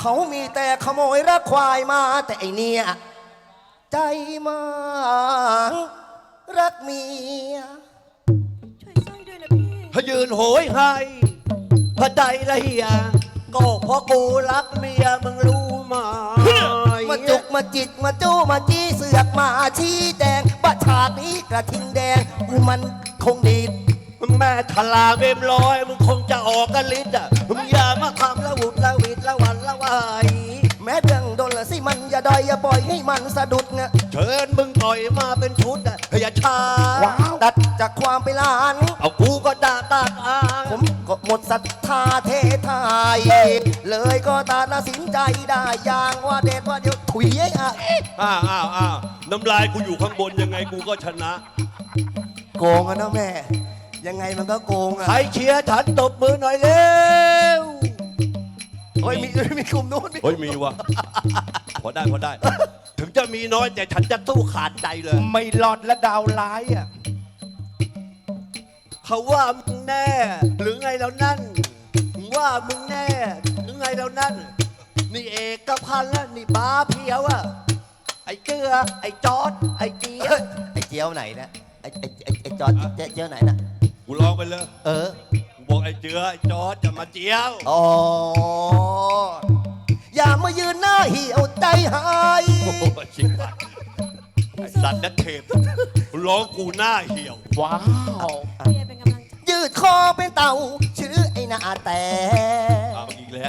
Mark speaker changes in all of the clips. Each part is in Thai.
Speaker 1: เขามีแต่ขโมยรักควายมาแต่ไอเนี่ยใจมารักเมีย
Speaker 2: ช่วยสร้อยด้วยนะพี่
Speaker 3: พยืนโหยให้พระใจละเฮียก็เพราะกูรักเมียมึงรู้ไหม
Speaker 1: มาจุกมาจิกมาจู้มาจี้เสือกมาชี้แดงบัดฉากนี้กระทิงแดงกูมันคงดีด
Speaker 3: มึงแม่ทลาเวมลอยมึงคงจะออกกันลิ้นอ่ะมึงอย่ามาทำละวุดละวิดละวันละวาย
Speaker 1: แม้เรื่องโดนละสิมันอย่าดอยอย่าปล่อยให้มันสะดุดเงะ
Speaker 3: เชิญมึงต่อยมาเป็นชุดอ่ะอย่าช้า
Speaker 1: ดัดจากความไปล้าน
Speaker 3: เอากูก็ด่าตาตา
Speaker 1: ผมก็หมดศรัทธาเทไทยเลยก็ตัดสินใจได้อย่างว่าเด็ดว่าเดี๋ยวถุยไอ้อะ
Speaker 3: น้ำลายกูอยู่ข้างบนยังไงกูก็ชนะ
Speaker 1: โกงอะนะแม่ยังไงมันก็โกงอะ
Speaker 3: ใครเชียร์ฉันตบมือหน่อยเร็ว
Speaker 1: โอ้ยมีกลุ่มนู้น
Speaker 3: เฮ้ยมีวะพอได้ถึงจะมีน้อยแต่ฉันจะตู้ขาดใจเลย
Speaker 4: ไม่หลอดและดาวร้ายอ่ะ
Speaker 3: เขาว่ามึงแน่หรือไงแล้วนั่นว่ามึงแน่หรือไงแล้วนั่นนี่เอกพันธ์แล้วนี่บ้าเพียวอะไอ้เจือไอ้จอดไอ้เจี๊ยบ
Speaker 1: ไอ้เจียวไหนนะไอ้จอดเจียวไหนนะ
Speaker 3: กูลองไปเลยกูบอกไอ้เจือไอ้จอดจะมาเจียว
Speaker 1: อ๋ออย่ามายืนหน้าเหี่ยวใจหาย
Speaker 3: โอ้โหชิบหายไอ้สัตว์นักเทพร้องกูหน้าเหี่ยว
Speaker 4: ว้าว
Speaker 2: พี่เป็นกำลังใจ
Speaker 1: ยืดคอเป็นเต่าชื่อไอ้หน้าแต่
Speaker 3: เอาอีกแล้ว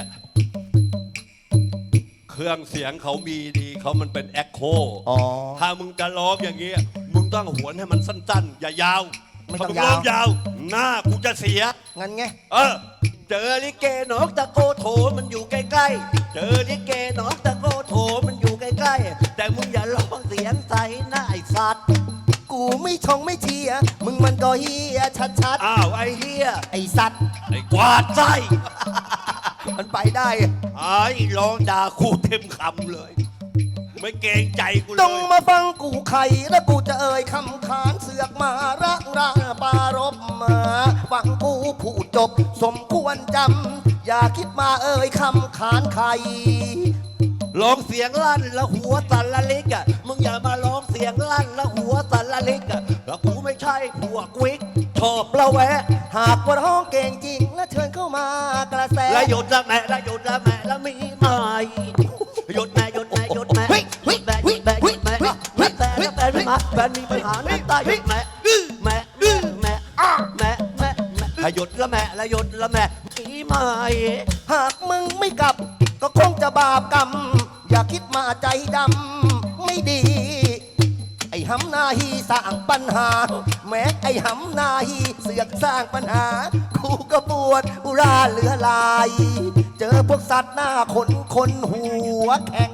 Speaker 3: เครื่องเสียงเขามีดีเขามันเป็นแอคโคถ้ามึงจะร้องอย่างเงี้ยมึงต้องหวนให้มันสั้นๆอย่ายาว
Speaker 1: ไม่ต้อง
Speaker 3: ยาวหน้ากูจะเสีย
Speaker 1: งั้นไง
Speaker 3: เจอลิเกนอกตะโกโถมันอยู่ใกล้ๆเจอลิเกนอกตะโกโถมันอยู่ใกล้ๆแต่มึงอย่าร้องเสียงใสหน้าไอ้สัตว์
Speaker 1: กูไม่ชงไม่เชียร์มึงมันก็เฮียชัด
Speaker 3: อ้าวไอ้เฮีย
Speaker 1: ไอ้สัตว์
Speaker 3: ไอ้กวาดไส้
Speaker 1: มันไปได้
Speaker 3: ไอ้ร้องด่ากูเต็มคำเลยไม่เกรงใจกูเลย
Speaker 1: ต้องมาฟังกูไข่แล้วกูจะเอ่ยคำขานเสือกมารักราปารบมาฟังกูพูดจบสมควรจำอย่าคิดมาเอ่ยคำขานไข่
Speaker 3: ร้องเสียงลั่นแล้วหัวสั่นละลิกอ่ะมึงอย่ามาร้องเสียงลั่นแล้วหัวสั่นละลิกอ่ะแล้วกูไม่ใช่พวกวิกชอบละแวะ
Speaker 1: หากว่าร้องเก่งจริงแล้วเชิญเข้ามากระแส
Speaker 3: ละหยดละแม่ละหยดละแม่ละมีไหมหยดแม่หยดแม่หยดแม่หยดแม่หยดแม่หยดแม่แม่แต่แล้วแฟนไม่มาแฟนมีปัญหาน้ำตาหยดแม่แม่แม่แม่แม่แม่ละหยดละแม่ละหยดละแม่มีไหม
Speaker 1: หากมึงไม่กลับก็คงจะบาปกรรมอย่าคิดมาใจดำไม่ดีไอ้หำนาฮีสร้างปัญหาแม้ไอ้หำนาฮีเสือกสร้างปัญหากูก็ปวดอุราเหลือลายเจอพวกสัตว์หน้าคนหัวแข็ง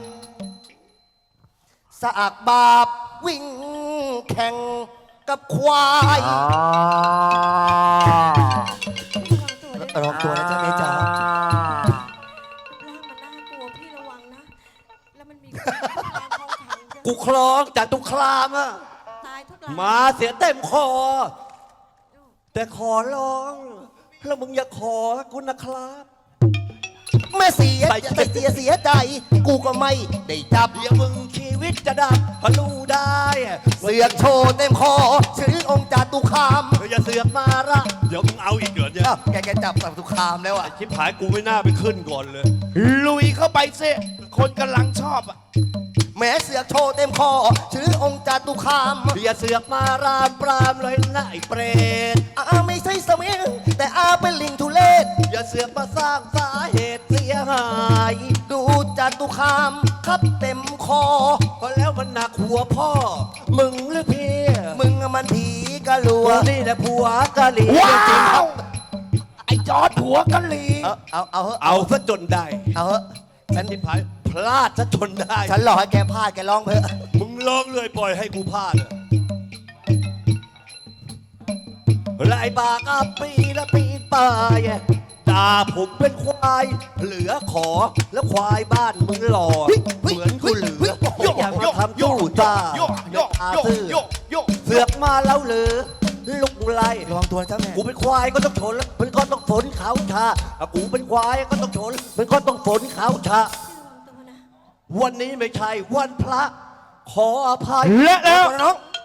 Speaker 1: สากบาปวิ่งแข่งกับควายรองตัวนะจ๊ะเมจ๋า
Speaker 2: ร่างมันน่ากลัวพี่ระวังนะแล้วมันมี
Speaker 3: กูคลองจากตุคลามอะมาเสียเต็มคอแต่ขอร้องแล้วมึงอย่าขอกูนะครับ
Speaker 1: แม่เสียใจกูก็ไม่ได้จับ
Speaker 3: อย่ามึงชีวิตจะดับพลูได้
Speaker 1: เสือกโชว์เต็มคอชื่อองค์จตุคาม
Speaker 3: อย่าเสือกมาละเดี๋ยวมึงเอาอีกเดือนเนี่ย
Speaker 1: แกจับจตุคามแล้วอ่ะ
Speaker 3: ชิบหายกูไม่น่าไปขึ้นก่อนเลย
Speaker 4: ลุยเข้าไปสิคนกำลังชอบอ่ะ
Speaker 1: แม้เสือกโชว์เต็มคอชื่อองค์จตุคาม
Speaker 3: อย่าเสือกมารามปรามเลยนะไอ้เปรต
Speaker 1: ไม่ใช่สมิงแต่เป็นลิงทุเลศ
Speaker 3: อย่าเสือกมาสร้างสาเหตุเสียหาย
Speaker 1: ดูจตุคามครับเต็มคอ
Speaker 3: ก็แล้วมันหนักหัวพ่อมึงหรือพี่
Speaker 1: มึงมันผีกะลัว
Speaker 3: นี่แหละผัวกะหรี่
Speaker 4: จริงไอ้จอดผัวกะหรี่
Speaker 3: เอาซะจนได้
Speaker 1: เอาเหอะ
Speaker 3: ฉันที่พายพลาดซะจนได้
Speaker 1: ฉันหลอกให้แกพลาดแกร้องเถอะ
Speaker 3: มึงร้องเลยปล่อยให้กูพลาดลายบากปีละปีป่ายจ่าผมเป็นควายเหลือขอแล้วควายบ้านมึงหล่อเหมือนกูเหลืออยากมาทำตู้ตาเสือกมาแล้วเหลือลุกไล่
Speaker 1: ระวังตัวเจ้าแม่
Speaker 3: กูเป็นควายก็ต้องชนมันก็ต้องฝนขาวชากูเป็นควายก็ต้องชนมันก็ต้องฝนขาวชาวันนี้ไม่ใช่วันพระ ขออภัย
Speaker 4: และแล้ว
Speaker 1: น้อง